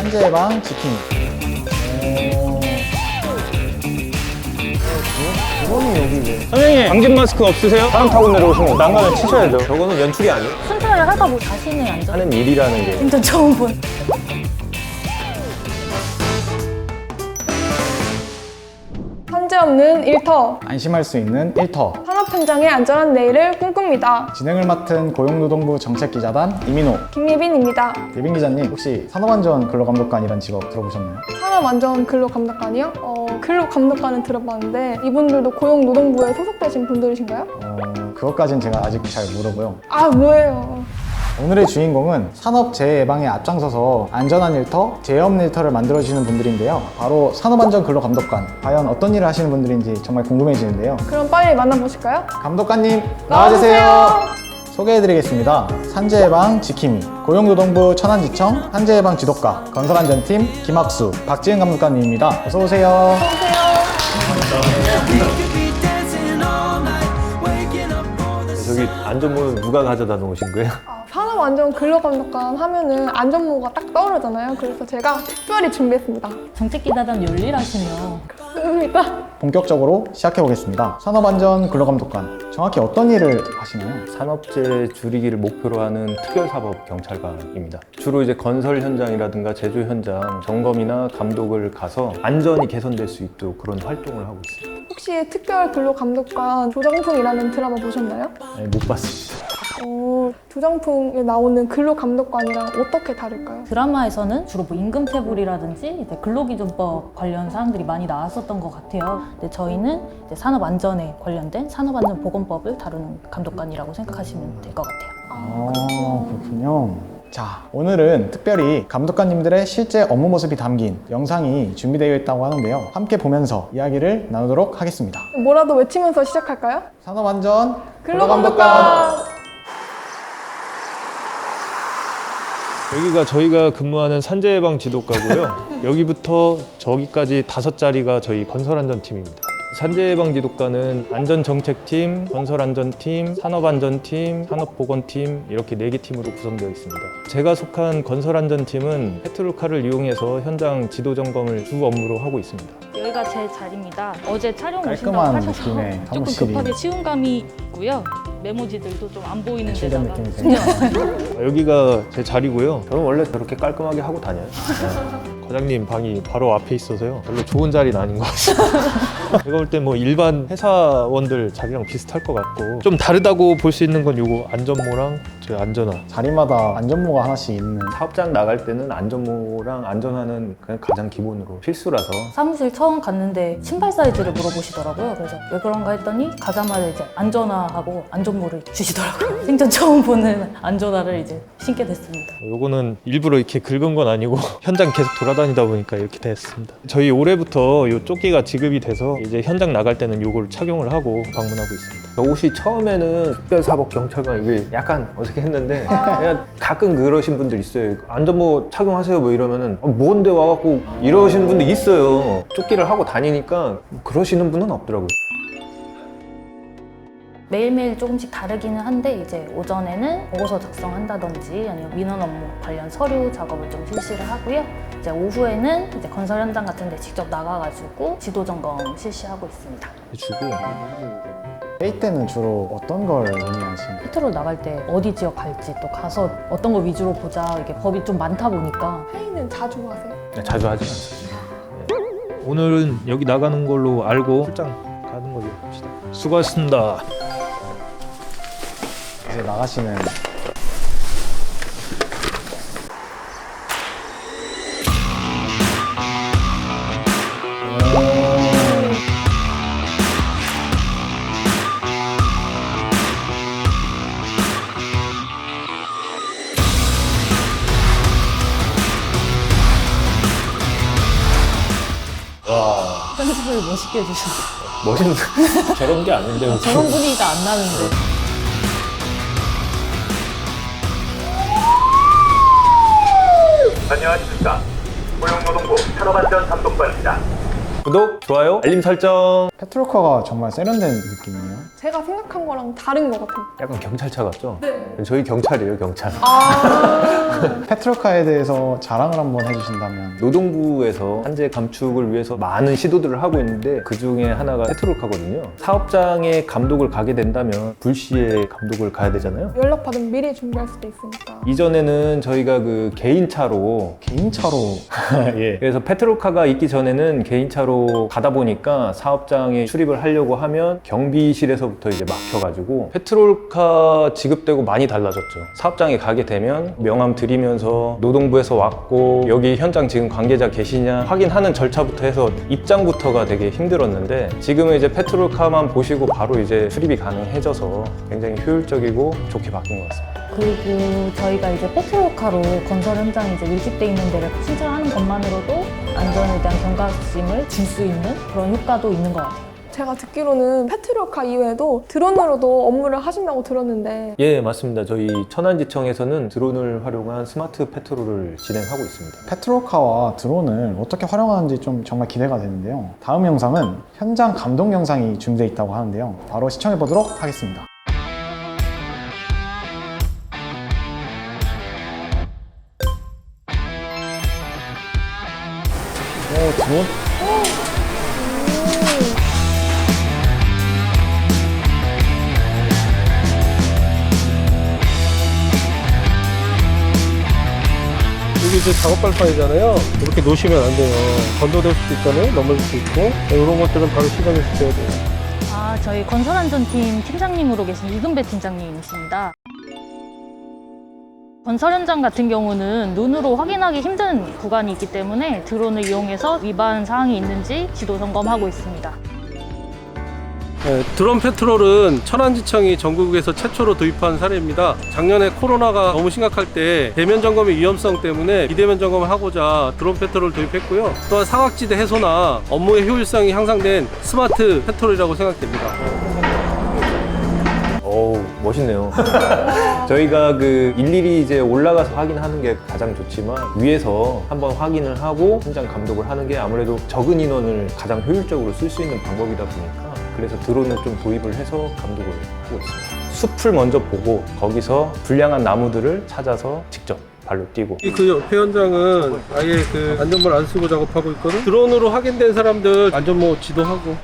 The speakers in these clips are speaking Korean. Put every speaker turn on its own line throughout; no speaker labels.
산재 예방 지킴이. 이거는 여기 왜?
선생님, 방진 마스크 없으세요? 사람 타고 내려오시면 난간을 치셔야죠. 저거는 연출이 아니에요.
순찰을 하다 뭐 자신의 안전
하는 일이라는 게.
진짜 처음 본.
산재 없는 일터,
안심할 수 있는 일터.
산업 현장의 안전한 내일을 꿈꿉니다.
진행을 맡은 고용노동부 정책기자단 이민호.
김예빈입니다.
예빈 기자님, 혹시 산업안전 근로감독관이라는 직업 들어보셨나요?
산업안전 근로감독관이요? 근로감독관은 들어봤는데 이분들도 고용노동부에 소속되신 분들이신가요?
그것까진 제가 아직 잘 모르고요.
아, 뭐예요?
오늘의 주인공은 산업재해 예방에 앞장서서 안전한 일터, 재해 없는 일터를 만들어주시는 분들인데요. 바로 산업안전근로감독관. 과연 어떤 일을 하시는 분들인지 정말 궁금해지는데요.
그럼 빨리 만나보실까요?
감독관님, 나와주세요. 소개해드리겠습니다. 산재예방 지킴이, 고용노동부 천안지청 산재예방 지도과, 건설안전팀 김학수, 박지은 감독관님입니다. 어서오세요.
저기 안전모는 누가 가져다 놓으신 거예요?
산업안전 근로감독관 하면은 안전모가 딱 떠오르잖아요. 그래서 제가 특별히 준비했습니다.
정책기자단 열일하시며
그렇습니다.
본격적으로 시작해보겠습니다. 산업안전 근로감독관, 정확히 어떤 일을 하시나요?
산업재해 줄이기를 목표로 하는 특별사법 경찰관입니다. 주로 이제 건설 현장이라든가 제조 현장 점검이나 감독을 가서 안전이 개선될 수 있도록 그런 활동을 하고 있습니다.
혹시 특별근로감독관 조정풍이라는 드라마 보셨나요?
네, 못 봤습니다.
조정풍에 나오는 근로감독관이랑 어떻게 다를까요?
드라마에서는 주로 뭐 임금체불이라든지 이제 근로기준법 관련 사항들이 많이 나왔었던 것 같아요. 근데 저희는 이제 산업안전에 관련된 산업안전보건법을 다루는 감독관이라고 생각하시면 될 것 같아요.
그렇군요. 자, 오늘은 특별히 감독관님들의 실제 업무 모습이 담긴 영상이 준비되어 있다고 하는데요. 함께 보면서 이야기를 나누도록 하겠습니다.
뭐라도 외치면서 시작할까요?
산업안전
근로감독관!
여기가 저희가 근무하는 산재예방 지도과고요. 여기부터 저기까지 5자리가 저희 건설안전팀입니다. 산재예방 지도과는 안전정책팀, 건설안전팀, 산업안전팀, 산업보건팀 이렇게 4개 팀으로 구성되어 있습니다. 제가 속한 건설안전팀은 페트롤카를 이용해서 현장 지도 점검을 주 업무로 하고 있습니다.
여기가 제 자리입니다. 어제 촬영 오신다고
깔끔한
하셔서
느낌의
조금
사무실이.
급하게 치운 감이 있고요. 메모지들도 좀 안 보이는
실된
데다가
느낌이세요.
여기가 제 자리고요. 저는 원래 저렇게 깔끔하게 하고 다녀요. 과장님 방이 바로 앞에 있어서요. 별로 좋은 자리는 아닌 것 같습니다. 제가 볼 때 뭐 일반 회사원들 자리랑 비슷할 것 같고 좀 다르다고 볼 수 있는 건 요거 안전모랑 저 안전화.
자리마다 안전모가 하나씩 있는.
사업장 나갈 때는 안전모랑 안전화는 그냥 가장 기본으로 필수라서
사무실 처음 갔는데 신발 사이즈를 물어보시더라고요. 그래서 왜 그런가 했더니 가자마자 이제 안전화하고 안전모를 주시더라고요. 생전 처음 보는 안전화를 이제 신게 됐습니다.
요거는 일부러 이렇게 긁은 건 아니고 현장 계속 돌아다니다 보니까 이렇게 됐습니다. 저희 올해부터 요 조끼가 지급이 돼서 이제 현장 나갈 때는 요걸 착용을 하고 방문하고 있습니다. 저 옷이 처음에는 특별사법 경찰관 이게 약간 어색했는데 그냥 가끔 그러신 분들 있어요. 안전모 착용하세요 뭐 이러면은 뭔데 와갖고 이러시는 분들 있어요. 조끼를 하고 다니니까 그러시는 분은 없더라고요.
매일매일 조금씩 다르기는 한데 이제 오전에는 보고서 작성한다든지 아니면 민원 업무 관련 서류 작업을 좀 실시를 하고요. 이제 오후에는 이제 건설 현장 같은 데 직접 나가가지고 지도 점검 실시하고 있습니다.
주고
회의 때는 주로 어떤 걸 논의하시나요?
페트롤 나갈 때 어디 지역 갈지 또 가서 어떤 걸 위주로 보자 이게 법이 좀 많다 보니까
회의는 자주 하세요?
자주 하진 않습니다. 오늘은 여기 나가는 걸로 알고 출장 가는 걸로 합시다. 수고하셨습니다.
이제 나가시는.
편집을 멋있게 해주셨어요.
멋있는 저런 게 아닌데
저런 분위기가 안 나는데.
안녕하십니까. 고용노동부 산업안전감독관입니다.
구독, 좋아요, 알림 설정.
페트로카가 정말 세련된 느낌이에요.
제가 생각한 거랑 다른 것 같아요.
약간 경찰차 같죠? 네. 저희 경찰이에요, 경찰.
페트로카에 대해서 자랑을 한번 해주신다면.
노동부에서 한재 감축을 위해서 많은 시도들을 하고 있는데 그 중에 하나가 페트로카거든요. 사업장에 감독을 가게 된다면 불시에 감독을 가야 되잖아요.
연락 받으면 미리 준비할 수도 있으니까.
이전에는 저희가 그 개인차로
개인차로
예. 그래서 페트로카가 있기 전에는 개인차로 가다 보니까 사업장에 출입을 하려고 하면 경비실에서부터 이제 막혀가지고 페트로카 지급되고 많이 달라졌죠. 사업장에 가게 되면 명함 드리면서 노동부에서 왔고 여기 현장 지금 관계자 계시냐 확인하는 절차부터 해서 입장부터가 되게 힘들었는데 지금은 이제 페트로카만 보시고 바로 이제 출입이 가능해져서 굉장히 효율적이고 좋게 바뀐 것 같습니다.
그리고 저희가 이제 페트로카로 건설 현장에 이제 밀집돼 있는 데를 신청하는 것만으로도 안전에 대한 경각심을 줄 수 있는 그런 효과도 있는 것 같아요.
제가 듣기로는 페트로카 이외에도 드론으로도 업무를 하신다고 들었는데
예, 맞습니다. 저희 천안지청에서는 드론을 활용한 스마트 페트롤을 진행하고 있습니다.
페트로카와 드론을 어떻게 활용하는지 좀 정말 기대가 되는데요. 다음 영상은 현장 감독 영상이 준비되어 있다고 하는데요. 바로 시청해 보도록 하겠습니다. 드론?
여기 이제 작업 발판이잖아요. 이렇게 놓으시면 안 돼요. 건조될 수도 있잖아요. 넘어질 수도 있고. 이런 것들은 바로 시정해 주셔야 돼요.
저희 건설안전팀 팀장님으로 계신 이근배 팀장님이십니다. 건설 현장 같은 경우는 눈으로 확인하기 힘든 구간이 있기 때문에 드론을 이용해서 위반 사항이 있는지 지도 점검하고 있습니다.
네, 드론 페트롤은 천안지청이 전국에서 최초로 도입한 사례입니다. 작년에 코로나가 너무 심각할 때 대면 점검의 위험성 때문에 비대면 점검을 하고자 드론 페트롤을 도입했고요. 또한 사각지대 해소나 업무의 효율성이 향상된 스마트 페트롤이라고 생각됩니다.
어우, 멋있네요. 저희가 그 일일이 이제 올라가서 확인하는 게 가장 좋지만 위에서 한번 확인을 하고 현장 감독을 하는 게 아무래도 적은 인원을 가장 효율적으로 쓸 수 있는 방법이다 보니까 그래서 드론을 좀 도입을 해서 감독을 하고 있습니다. 숲을 먼저 보고 거기서 불량한 나무들을 찾아서 직접 발로 뛰고.
그 옆에 현장은 아예 그 안전모를 안 쓰고 작업하고 있거든. 드론으로 확인된 사람들 안전모 지도하고.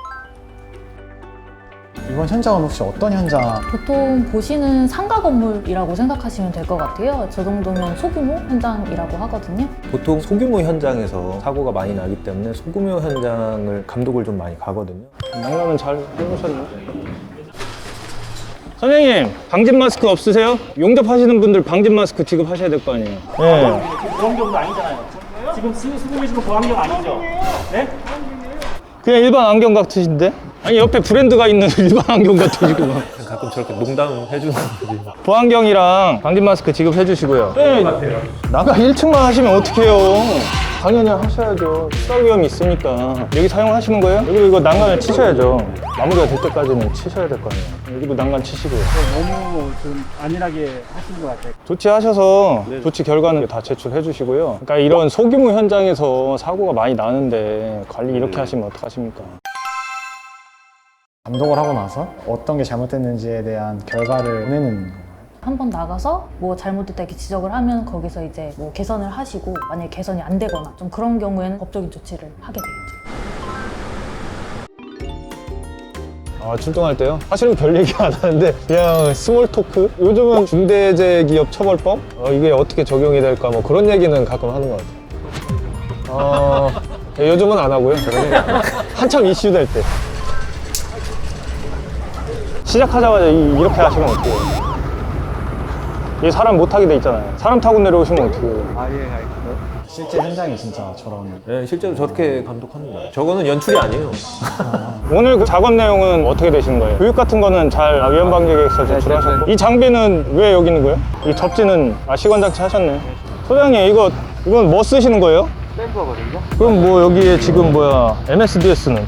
이번 현장은 혹시 어떤 현장?
보통 보시는 상가 건물이라고 생각하시면 될 것 같아요. 저 정도면 소규모 현장이라고 하거든요.
보통 소규모 현장에서 사고가 많이 나기 때문에 소규모 현장을 감독을 좀 많이 가거든요.
난감은 잘 해보셨나요? 선생님, 방진 마스크 없으세요? 용접하시는 분들 방진 마스크 지급하셔야 될 거 아니에요? 네.
보안경도 아니잖아요. 지금 쓰고 계시는 보안경 아니죠? 네?
그냥 일반 안경 같으신데? 아니 옆에 브랜드가 있는 일반 안경 같으시고
가끔 저렇게 농담해주는 분들이.
보안경이랑 방진 마스크 지급해 주시고요. 네, 나가 1층만 하시면 어떡해요? 당연히 하셔야죠. 추가 위험이 있으니까. 여기 사용하시는 거예요? 여기도 이거 난간을 치셔야죠. 마무리가 될 때까지는 치셔야 될 거 아니에요. 여기도 난간 치시고요.
너무 좀 안일하게 하신 것 같아요.
조치하셔서 조치 결과는 다 제출해 주시고요. 그러니까 이런 소규모 현장에서 사고가 많이 나는데 관리 이렇게 하시면 어떡하십니까?
감독을 하고 나서 어떤 게 잘못됐는지에 대한 결과를 내는 거예요.
한번 나가서 뭐 잘못됐다 이렇게 지적을 하면 거기서 이제 뭐 개선을 하시고 만약에 개선이 안 되거나 좀 그런 경우에는 법적인 조치를 하게 되겠죠.
출동할 때요? 사실은 별 얘기 안 하는데 그냥 스몰 토크? 요즘은 중대재해기업처벌법? 이게 어떻게 적용이 될까 뭐 그런 얘기는 가끔 하는 것 같아요. 요즘은 안 하고요. 한참 이슈될 때. 시작하자마자 이렇게 하시면 어떡해요? 이 사람 못하게 돼 있잖아요. 사람 타고 내려오시면 어떡해요?
실제 현장이 진짜 저런.
네, 실제로 저렇게 감독하는 거예요. 저거는 연출이 아니에요.
오늘 그 작업 내용은 어떻게 되시는 거예요? 교육 같은 거는 잘 위험방지계획서 제출하셨고 이 장비는 왜 여기 있는 거예요? 이 접지는 시관장치 하셨네. 소장님 이건 뭐 쓰시는 거예요?
샘플거든요.
그럼 뭐 여기에 지금 MSDS는?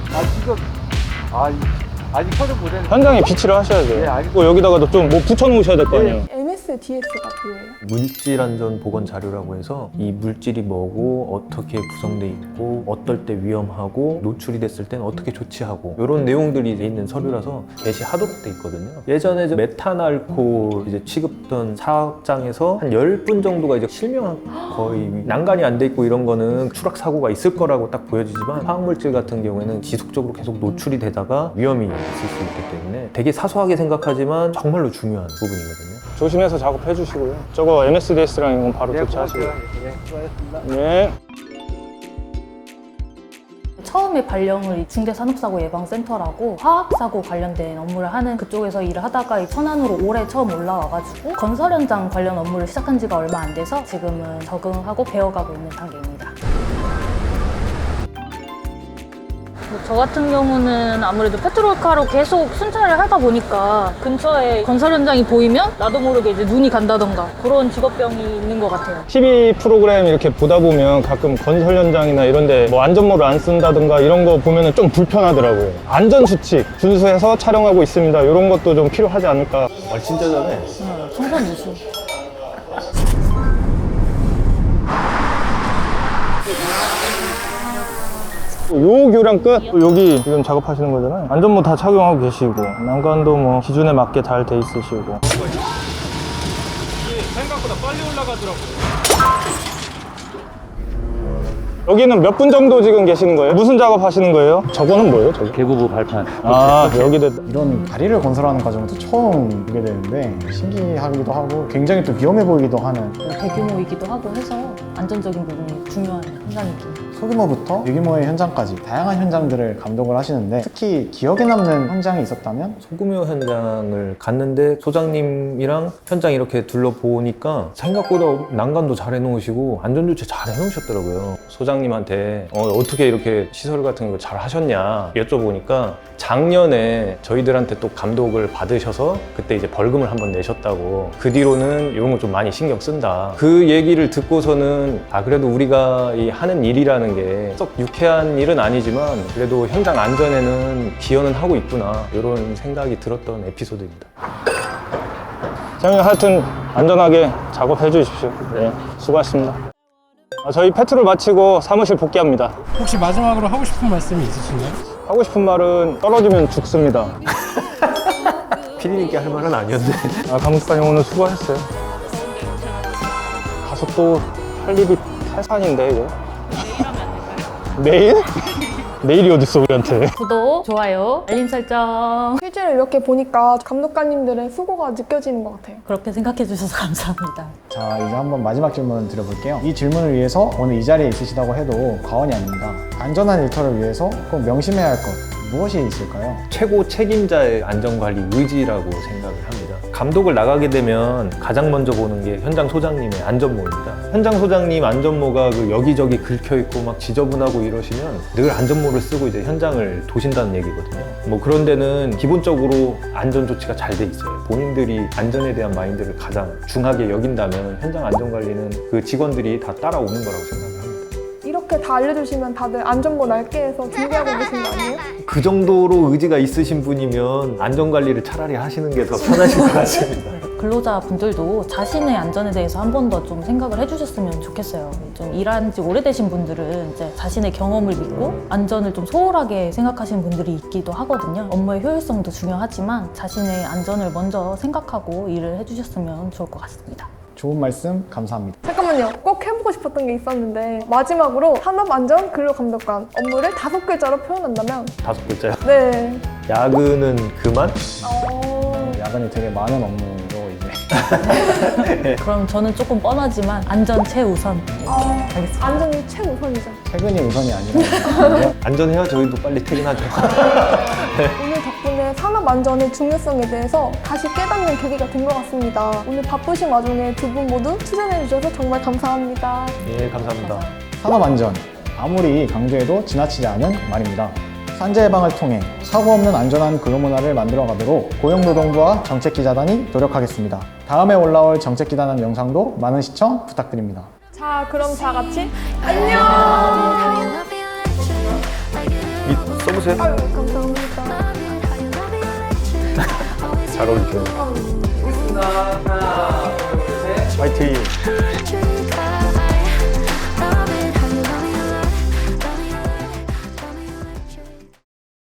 아직 켜져 보세요.
현장에 비치를 하셔야죠.
네, 알겠습니다.
뭐 여기다가도 좀 뭐 붙여 놓으셔야 될 거 아니에요?
MS MSDS가 뭐예요?
물질 안전 보건 자료라고 해서 이 물질이 뭐고 어떻게 구성돼 있고 어떨 때 위험하고 노출이 됐을 때는 어떻게 조치하고 이런 내용들이 있는 서류라서 게시하도록 돼 있거든요. 예전에 이제 메탄알코올 이제 취급던 사업장에서 한 10분 정도가 이제 실명 거의 난간이 안 돼 있고 이런 거는 추락 사고가 있을 거라고 딱 보여지지만 화학물질 같은 경우에는 지속적으로 계속 노출이 되다가 위험이 있을 수 있기 때문에 되게 사소하게 생각하지만 정말로 중요한 부분이거든요.
조심해서 작업해 주시고요. 저거 MSDS랑 이건 바로 교체하시고요. 네.
처음에 발령을 이 중대산업사고 예방센터라고 화학사고 관련된 업무를 하는 그쪽에서 일을 하다가 이 천안으로 올해 처음 올라와가지고 건설 현장 관련 업무를 시작한 지가 얼마 안 돼서 지금은 적응하고 배워가고 있는 단계입니다. 저 같은 경우는 아무래도 페트롤카로 계속 순찰을 하다 보니까 근처에 건설 현장이 보이면 나도 모르게 이제 눈이 간다던가 그런 직업병이 있는 것 같아요.
TV 프로그램 이렇게 보다 보면 가끔 건설 현장이나 이런 데 뭐 안전모를 안 쓴다든가 이런 거 보면 좀 불편하더라고요. 안전수칙 준수해서 촬영하고 있습니다. 이런 것도 좀 필요하지 않을까.
말 진짜 잘해.
성선무수.
요 교량 끝. 여기 지금 작업하시는 거잖아요. 안전모 다 착용하고 계시고 난간도 뭐 기준에 맞게 잘 돼 있으시고.
생각보다 빨리 올라가더라고요.
여기는 몇 분 정도 지금 계시는 거예요? 무슨 작업 하시는 거예요? 저거는 뭐예요? 저거?
개구부 발판.
아, 여기도
이런 다리를 건설하는 과정도 처음 보게 되는데 신기하기도 하고 굉장히 또 위험해 보이기도 하는
대규모이기도 하고 해서 안전적인 부분이 중요한 현장이긴.
소규모부터 유규모의 현장까지 다양한 현장들을 감독을 하시는데 특히 기억에 남는 현장이 있었다면?
소규모 현장을 갔는데 소장님이랑 현장 이렇게 둘러보니까 생각보다 난간도 잘 해놓으시고 안전조치 잘 해놓으셨더라고요. 소장님한테 어떻게 이렇게 시설 같은 거 잘 하셨냐 여쭤보니까 작년에 저희들한테 또 감독을 받으셔서 그때 이제 벌금을 한번 내셨다고 그 뒤로는 이런 거 좀 많이 신경 쓴다. 그 얘기를 듣고서는 그래도 우리가 이 하는 일이라는 게 썩 유쾌한 일은 아니지만 그래도 현장 안전에는 기여는 하고 있구나 이런 생각이 들었던 에피소드입니다.
자, 하여튼 안전하게 작업해 주십시오. 네, 수고하셨습니다. 저희 페트롤 마치고 사무실 복귀합니다.
혹시 마지막으로 하고 싶은 말씀이 있으신가요?
하고 싶은 말은 떨어지면 죽습니다.
피디님께 할 말은 아니었는데
감독관님 오늘 수고하셨어요. 가서 또 할 일이 태산인데 이제. 내일? 내일이 어딨어 우리한테.
구독, 좋아요, 알림 설정
실제로 이렇게 보니까 감독관님들의 수고가 느껴지는 것 같아요.
그렇게 생각해 주셔서 감사합니다.
자, 이제 한번 마지막 질문 드려볼게요. 이 질문을 위해서 오늘 이 자리에 있으시다고 해도 과언이 아닙니다. 안전한 일터를 위해서 꼭 명심해야 할 것 무엇이 있을까요?
최고 책임자의 안전관리 의지라고 생각을 합니다. 감독을 나가게 되면 가장 먼저 보는 게 현장 소장님의 안전모입니다. 현장 소장님 안전모가 그 여기저기 긁혀있고 막 지저분하고 이러시면 늘 안전모를 쓰고 이제 현장을 도신다는 얘기거든요. 뭐 그런 데는 기본적으로 안전 조치가 잘 돼 있어요. 본인들이 안전에 대한 마인드를 가장 중하게 여긴다면 현장 안전관리는 그 직원들이 다 따라오는 거라고 생각을 합니다.
이렇게 다 알려주시면 다들 안전모 넓게 해서 준비하고 계신 거 아니에요?
그 정도로 의지가 있으신 분이면 안전관리를 차라리 하시는 게 더 편하실 것 같습니다.
근로자분들도 자신의 안전에 대해서 한 번 더 좀 생각을 해주셨으면 좋겠어요. 좀 일한 지 오래되신 분들은 이제 자신의 경험을 믿고 안전을 좀 소홀하게 생각하시는 분들이 있기도 하거든요. 업무의 효율성도 중요하지만 자신의 안전을 먼저 생각하고 일을 해주셨으면 좋을 것 같습니다.
좋은 말씀 감사합니다.
잠깐만요. 꼭 해보고 싶었던 게 있었는데 마지막으로 산업안전 근로감독관 업무를 5글자로 표현한다면?
5글자요?
네.
야근은 그만?
야근이 되게 많은 업무로 이제
그럼 저는 조금 뻔하지만 안전 최우선. 알겠습니다.
안전이 최우선이죠.
퇴근이 우선이 아니라
안전해야 저희도 빨리 퇴근하죠.
오늘 덕분에 산업안전의 중요성에 대해서 다시 깨닫는 계기가 된 것 같습니다. 오늘 바쁘신 와중에 두 분 모두 출연해주셔서 정말 감사합니다.
예, 감사합니다.
산업안전 아무리 강조해도 지나치지 않은 말입니다. 산재 예방을 통해 사고 없는 안전한 근로문화를 만들어가도록 고용노동부와 정책기자단이 노력하겠습니다. 다음에 올라올 정책기자단 영상도 많은 시청 부탁드립니다.
자, 그럼 다 같이 안녕!
써보세요.
아유, 감사합니다.
잘 어울리죠.
있습니다.
화이팅!